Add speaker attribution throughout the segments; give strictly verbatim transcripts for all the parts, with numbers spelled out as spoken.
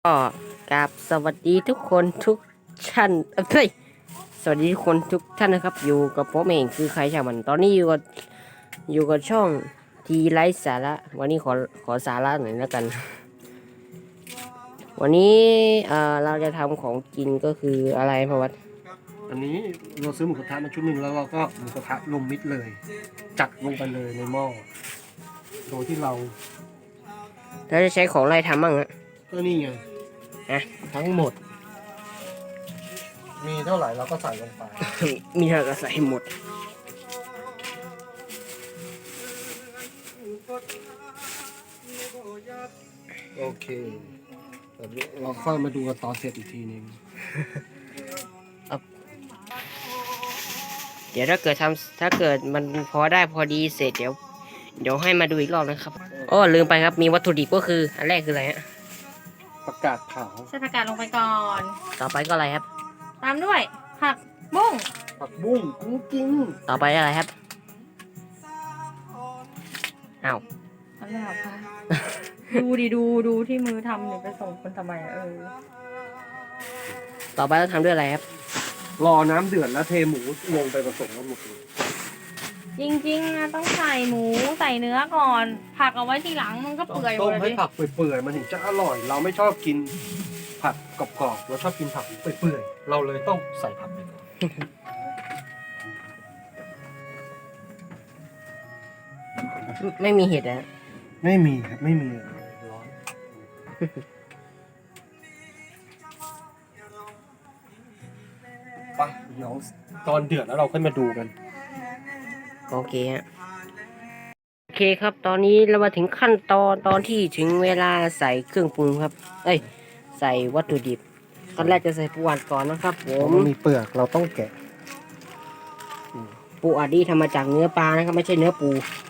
Speaker 1: ก็กราบสวัสดีทุกคนทุกท่านเอ้ยสวัสดีทุกคนทุกท่านนะครับอยู่กับผมเองคือใครช่างมันตอนนี้อยู่กับอยู่กับช่องทีไลฟ์สาระวันนี้ขอขอสาระหน่อยแล้วกัน วันนี้เอ่อเราจะทำของกินก็คืออะไรพะวัด
Speaker 2: อันนี้เราซื้อหมูกระทะมาชุดหนึ่งแล้วเราก็หมูกระทะลงมิดเลย จัดลงไปเลยในหม้อโดยที่เรา
Speaker 1: เราจะใช้ของอะไรทำบ้างฮะ
Speaker 2: ก็นี่ไง
Speaker 1: นะ
Speaker 2: ทั้งหมด มีเท่าไหร่เราก็ใส่ลงไป
Speaker 1: มีเท่าก็ใส่หมด
Speaker 2: โอเคเราค่อยมาดูกันตอนเสร็จอีกทีนึง
Speaker 1: เดี๋ยวถ้าเกิดทำถ้าเกิดมันพอได้พอดีเสร็จเดี๋ยวเดี๋ยวให้มาดูอีกรอบนะครับอ้อลืมไปครับมีวัตถุดิบก็คืออันแรกคืออะไรฮะ
Speaker 2: ประกาศเผา
Speaker 3: ใส่ผักกาดลงไปก่อน
Speaker 1: ต่อไปก็อะไรครับ
Speaker 3: ตามด้วยผักบุ้ง
Speaker 2: ผักบุ้งกุ้งกิ้ง
Speaker 1: ต่อไปอะไรครับอ้าว
Speaker 3: ทำไมหรอคะ ดูดิดูดูที่มือทำเนี่ยไปส่งคนทำไมอะเออ
Speaker 1: ต่อไปต้องทำด้วยอะไรครับ
Speaker 2: รอน้ำเดือดแล้วเทหมูลงไปผสมกันหมดเลย
Speaker 3: จริงๆนะต้องใส่หมูใส่เนื้อก่อน ผักเอาไว้ทีหลังมันก็เปื่อยหม
Speaker 2: ต้
Speaker 3: ด
Speaker 2: ม
Speaker 3: เลย
Speaker 2: ให้
Speaker 3: ดิ
Speaker 2: ผักเปื่อยๆมันถึงจะอร่อย เราไม่ชอบกินผักกรอบๆเราชอบกินผักเปื่อยๆเราเลยต้องใส่ผักไปก่อน
Speaker 1: ไม่มีเห็ดนะ
Speaker 2: ไม่มีครับไม่มีร้อนไปเดี๋ยวตอนเดือดแล้วเราค่อยมาดูกัน
Speaker 1: โอเคฮะโอเคครับตอนนี้เรามาถึงขั้นตอนตอนที่ถึงเวลาใส่เครื่องปรุงครับเอ้ยใส่วัตถุดิบขั้นแรกจะใส่ปูอัดก่อนนะครับผม
Speaker 2: มันมีเปลือกเราต้องแกะ
Speaker 1: ปูอัดนี่ทำมาจากเนื้อปลานะครับไม่ใช่เนื้อปู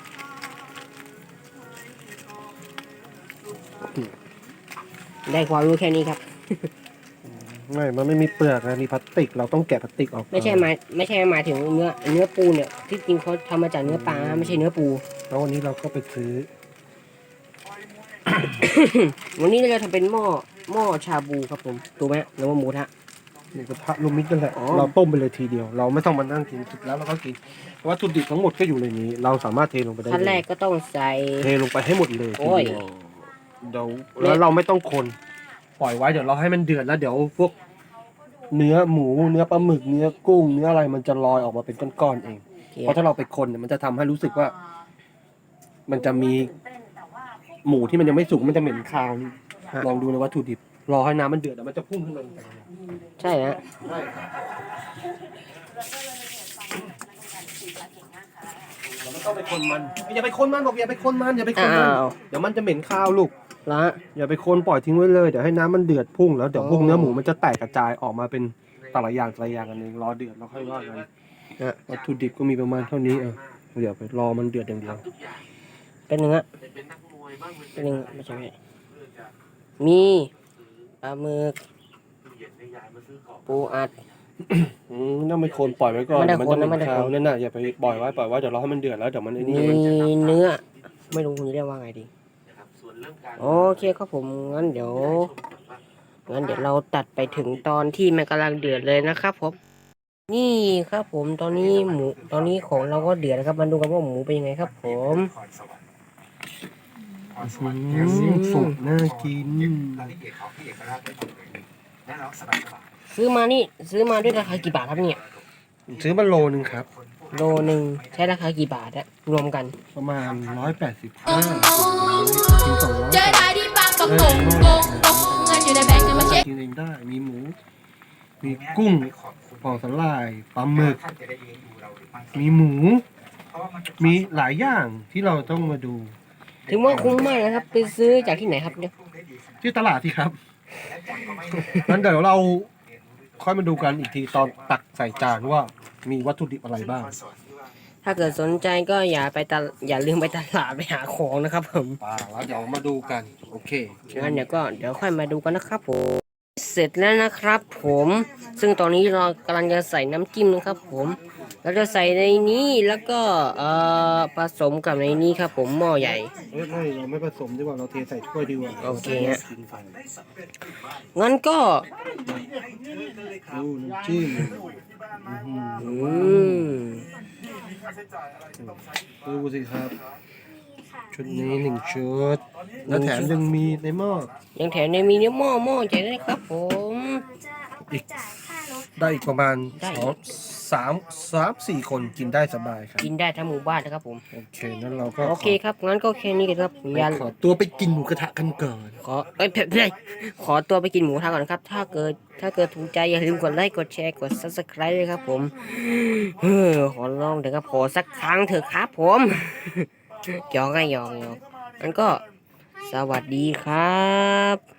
Speaker 1: ได้ความรู้แค่นี้ครับ
Speaker 2: ไม่มันไม่มีเปลือกนะมีพลาสติกเราต้องแกะพลาสติกออก
Speaker 1: ไม่ใช่หมายไม่ใช่หมายถึงเนื้อเนื้อปูเนี่ยที่จริงเขาทำมาจากเนื้อปลาไม่ใช่เนื้อปู
Speaker 2: แล้ววันนี้เราก็ไปซื้อ
Speaker 1: วันนี้เราจะทำเป็นหม้อหม้อชาบูครับผมถูกไหมหรือว่าหมูทะ
Speaker 2: หมูกระทะลูมิดนั่นแหละเราต้มไปเลยทีเดียวเราไม่ต้องมานั่งกินสุดแล้วเราก็กินวัตถุดิบทั้งหมดก็อยู่ในนี้ เราสามารถเทลงไปได้
Speaker 1: ขั้นแรกก็ต้องใส่
Speaker 2: เทลงไปให้หมดเลย
Speaker 1: โอ้ย
Speaker 2: เดี๋ยวแล้วเราไม่ต้องคนปล่อยไว้เดี๋ยวเราให้มันเดือดแล้วเดี๋ยวพวกเนื้อหมูเนื้อปลาหมึกเนื้อกุ้งเนื้ออะไรมันจะลอยออกมาเป็นก้อนๆเองเพราะถ้าเราไปคนเนี่ยมันจะทำให้รู้สึกว่า มันจะมีหมูที่มันยังไม่สุกมันจะเหม็นคาวลองดูในวัตถุดิบรอให้น้ำมันเดือดแล้วมันจะพุ่งขึ้นมา
Speaker 1: ใช่ฮะ
Speaker 2: ใช่เราไม่ต้องไปคนมันอย่าไปคนมันบอกอย่าไปคนมันอย่าไปคนมันเดี๋ยวมันจะเหม็นคาวลูก
Speaker 1: ละ
Speaker 2: อย่าไปคนปล่อยทิ้งไว้เลยเดี๋ยวให้น้ำมันเดือดพุ่งแล้วเดี๋ยวพวกเนื้อหมูมันจะแตกกระจายออกมาเป็นแต่ละอย่างแต่ละอย่างกันเองรอเดือดแล้วค่อยว่ากันวัตถุดิบก็มีประมาณเท่านี้เออเดี๋ยวไปรอมันเดือดอย่างเดียว
Speaker 1: เป็นเนื้อเป็นเนื้อไม่ใช่มีปลาหมึกปูอัด
Speaker 2: อืมต้องไม่คนปล่อยไว้ก่อนมันจะเหม็นคาวนั่นน่ะอย่าไปปล่อยไว้ปล่อยไว้เดี๋ยวรอให้มันเดือดแล้วเดี๋ยวมันไอ้นี่
Speaker 1: มีเนื้อไม่รู้คุณเรียกว่าไงดีโอเคครับผมงั้นเดี๋ยวงั้นเดี๋ยวเราตัดไปถึงตอนที่มันกำลังเดือดเลยนะครับผมนี่ครับผมตอนนี้หมูตอนนี้ของเราก็เดือดนะครับมาดูกันว่าหมูเป็นยังไงครับผม
Speaker 2: สุกน่ากิน
Speaker 1: ซื้อมานี่ซื้อมาด้วยราคากี่บาทครับเนี่ย
Speaker 2: ซื้อมาโลนึงครับ
Speaker 1: โลหนึ่งใช้ราคากี่บาทอะรวมกัน
Speaker 2: ประมาณร้อยแปดสิบห้าถึงสองร้อยกินเองได้มีหมูมีกุ้งปอสลายปลาหมึกมีหมูมีหลายอย่างที่เราต้องมาดู
Speaker 1: ถึงว่าคุ้มมากนะครับไปซื้อจากที่ไหนครับเนี่ย
Speaker 2: ที่ตลาดที่ครับงั้นเดี๋ยวเราค่อยมาดูกันอีกทีตอนตักใส่จานว่ามีวัตถุดิบอะไรบ้าง
Speaker 1: ถ้าเกิดสนใจก็อย่าไปตลอย่าลืมไปตลาดไปหาของนะครับผม
Speaker 2: ป่าแล้วเดี๋ยวมาดูกันโอเค
Speaker 1: งั้นเดี๋ยวก็เดี๋ยวค่อยมาดูกันนะครับผมเสร็จแล้วนะครับผมซึ่งตอนนี้เรากำลังจะใส่น้ำจิ้มนะครับผมเราจะใส่ในนี้แล้วก็เอ่อผสมกับในนี้ครับผมหม้อใหญ่
Speaker 2: เฮ้ยไม่เราไม่ผสมดีกว่าเราเทใส่ถ้วยดีกว่า
Speaker 1: โอเคฮะ งั้นก็
Speaker 2: ดูน้ำจิ้ม
Speaker 1: อืม
Speaker 2: ดูสิครับ ชุดนี้หนึ่งชุด แล้วแถมยังมีในหม้อ
Speaker 1: ยังแถมในมีเนื้อหม้อหม้อใหญ่ด้วยนะครับผม
Speaker 2: อีกได้อีกประมาณ
Speaker 1: ได้
Speaker 2: สองสามสามสี่คนกินได้สบายครับ
Speaker 1: กินได้ทั้งหมู่บ้านนะครับผม
Speaker 2: โอเคนั้นเราก็
Speaker 1: โอเคครับ งั้นก็แค่นี้กันครับ
Speaker 2: ขอ
Speaker 1: ยัน
Speaker 2: ขอตัวไปกินหมูกระทะกันก่อน
Speaker 1: ขอเอ้ยเพื่อนขอตัวไปกินหมูทะก่อนนะครับ ถ้าเกิดถ้าเกิดถูกใจอย่าลืมกดไลค์กดแชร์กด ซับสไครบ์ เลยครับผมเฮ้อขอลองเถอะครับขอสักครั้งเถอะครับผมหยอกไงหยอกหยอกงั้นก็สวัสดีครับ